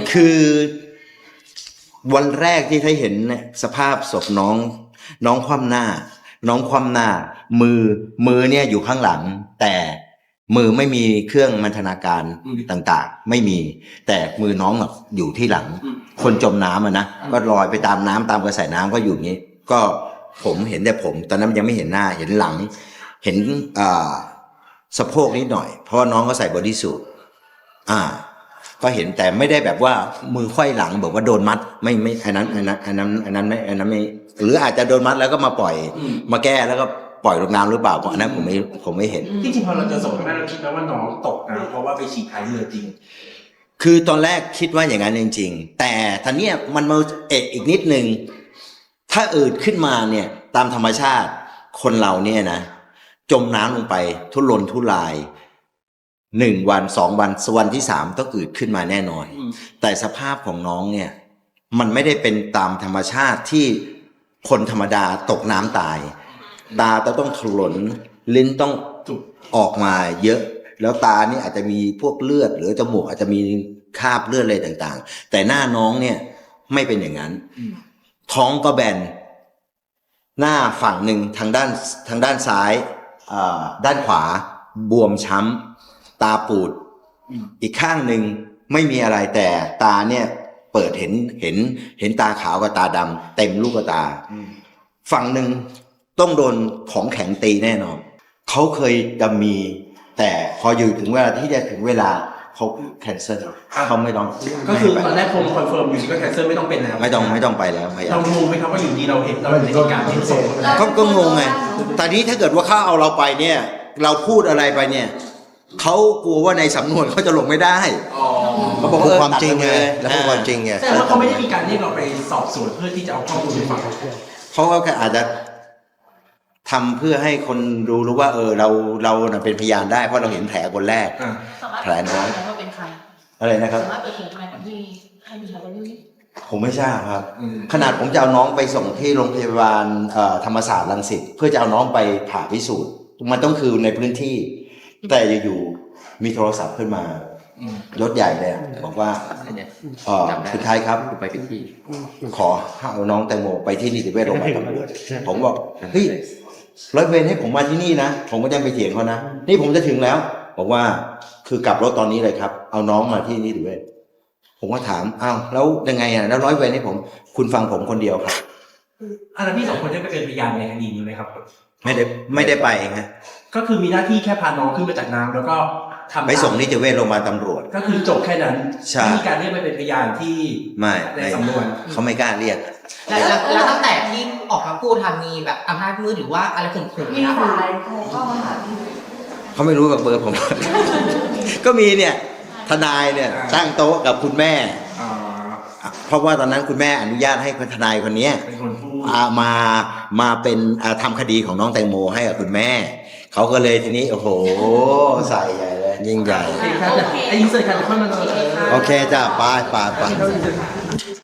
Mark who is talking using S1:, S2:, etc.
S1: คือวันแรกที่ได้เห็นเนี่ยสภาพศพน้องคว่ำหน้า น้องคว่ำหน้า มือเนี่ยอยู่ข้างหลัง แต่มือไม่มีเครื่องบรรณาการต่างๆไม่มี แต่มือน้องอยู่ที่หลัง คนจมน้ำนะก็ลอยไปตามน้ำตามกระแสน้ำก็อยู่อย่างนี้ก็ผมเห็นแต่ผมตอนนั้นยังไม่เห็นหน้าเห็นหลัง เห็นสะโพกนิดหน่อยเพราะว่าน้องก็ใส่บอดี้สูทก็เห็นแต่ไม่ได้แบบว่ามือไขว้หลังแบบว่าโดนมัดไม่อันนั้นไม่หรืออาจจะโดนมัดแล้วก็มาปล่อยมาแก้แล้วก็ปล่อยลงน้ำหรือเปล่าอันนั้นผมไม่เห็น
S2: ที่จริงพอเราเจอศพแม่เราคิดไหมว่าน้องตกน้ำเพราะว่าไปฉี่ท้ายเรือจริง
S1: คือตอนแรกคิดว่าอย่างนั้นจริงๆแต่ทีนี้มันมาอีกนิดนึงถ้าอืดขึ้นมาเนี่ยตามธรรมชาติคนเราเนี่ยนะจมน้ำลงไปทุรนทุราย1 วัน2 วันวันที่3ต้องอืดขึ้นมาแน่นอนแต่สภาพของน้องเนี่ยมันไม่ได้เป็นตามธรรมชาติที่คนธรรมดาตกน้ำตายตาต้องถลนลิ้นต้องออกมาเยอะแล้วตานี่อาจจะมีพวกเลือดหรือจมูกอาจจะมีคราบเลือดอะไรต่างๆแต่หน้าน้องเนี่ยไม่เป็นอย่างนั้นท้องก็แบนหน้าฝั่งหนึ่งทางด้านซ้ายด้านขวาบวมช้ำตาปูดอีกข้างหนึ่งไม่มีอะไรแต่ตาเนี่ยเปิดเห็นตาขาวกับตาดำเต็มลูกตาฝั่งหนึ่งต้องโดนของแข็งตีแน่นอนเขาเคยจะมีแต่พออยู่ถึงเวลาที่จะถึงเวลาเขาแคนเซิลเขาไม่ต้อง
S2: ก็คือตอนแรกคอนเฟิร์มอยู่ก็แคนเซิลไม่ต้องเป็นแล้ว
S1: ไม่ต้องไปแล้วพยายาม
S2: เรางงไหมครับว่าอยู่ดีเราเห็นเราในเหตุการณ์ที่ศพ
S1: ก็งงไงแต่นี้ถ้าเกิดว่าเขาเอาเราไปเนี่ยเราพูดอะไรไปเนี่ยเขากลัวว่าในสำนวนเขาจะลงไม่ได้
S3: เขาบอกว่าความจริงไงแล้วพูดความจริงไง
S2: แต่ว่าเขาไม่ได้มีการเรียกเราไปสอบสวนเพื่อที่จะเอาข้อมูลไปฟัง
S1: เขาก็อาจจะทำเพื่อให้คนรู้ว่าเราเป็นพยานได้เพราะเราเห็นแผลคนแรกแผลน้อยอะไรนะครับผมไม่ทราบครับขนาดผมจะเอาน้องไปส่งที่โรงพยาบาลธรรมศาสตร์รังสิตเพื่อจะเอาน้องไปผ่าพิสูจน์มันต้องคือในพื้นที่แต่อยู่ๆมีโทรศัพท์ขึ้นมายศใหญ่เลยบอกว่าคุณไทยครับ
S4: ไปพิธี
S1: ขอเอาน้องแตงโมไปที่นิติเวชโรงพยาบาลตำรวจผมบอกเฮ้ยร้อยเวรให้ผมมาที่นี่นะผมก็ยังไปเถียงเขานะนี่ผมจะถึงแล้วบอกว่าคือกลับรถตอนนี้เลยครับเอาน้องมาที่นิติเวชผมก็ถามอ้าวแล้วยังไงอ่ะแล้วร้อยเวรให้ผมคุณฟังผมคนเดียวครับ
S2: แล้วพี่2 คนได้ไปเป็นพยานในคดีนี้ไหมครับ
S1: ไม่ได้ไปไง
S2: ก็คือมีหน้าที่แค่พาน้องขึ้นมาจากน้ำแล้วก็
S1: ไปส่งนิติเวชโรงพยาบาลตำรวจ
S2: ก็คือจบแค่นั้นไม่มีการเรียกไปเป็นพยานที่ในสำนวน
S1: เขาไม่กล้าเรียก
S5: แล้วตั้งแต่ที่ออกมาพูดทำมีแบบอำนาจมืดหรือว่าอะไรข่มขู่
S6: มีสายโทรเข้ามาหา
S1: เขาไม่รู้กับเบอร์ผมก็มีเนี่ยทนายเนี่ยตั้งโต๊ะกับคุณแม่เพราะว่าตอนนั้นคุณแม่อนุญาตให้ทนายคนนี้มาเป็นทำคดีของน้องแตงโมให้กับคุณแม่เขาก็เลยทีนี้โอ้โหใส่ใหญ่เลยยิ่งใหญ่
S2: ไอ้ยิงเสร็จกันค่อยมา
S1: โอเคจ้ะไป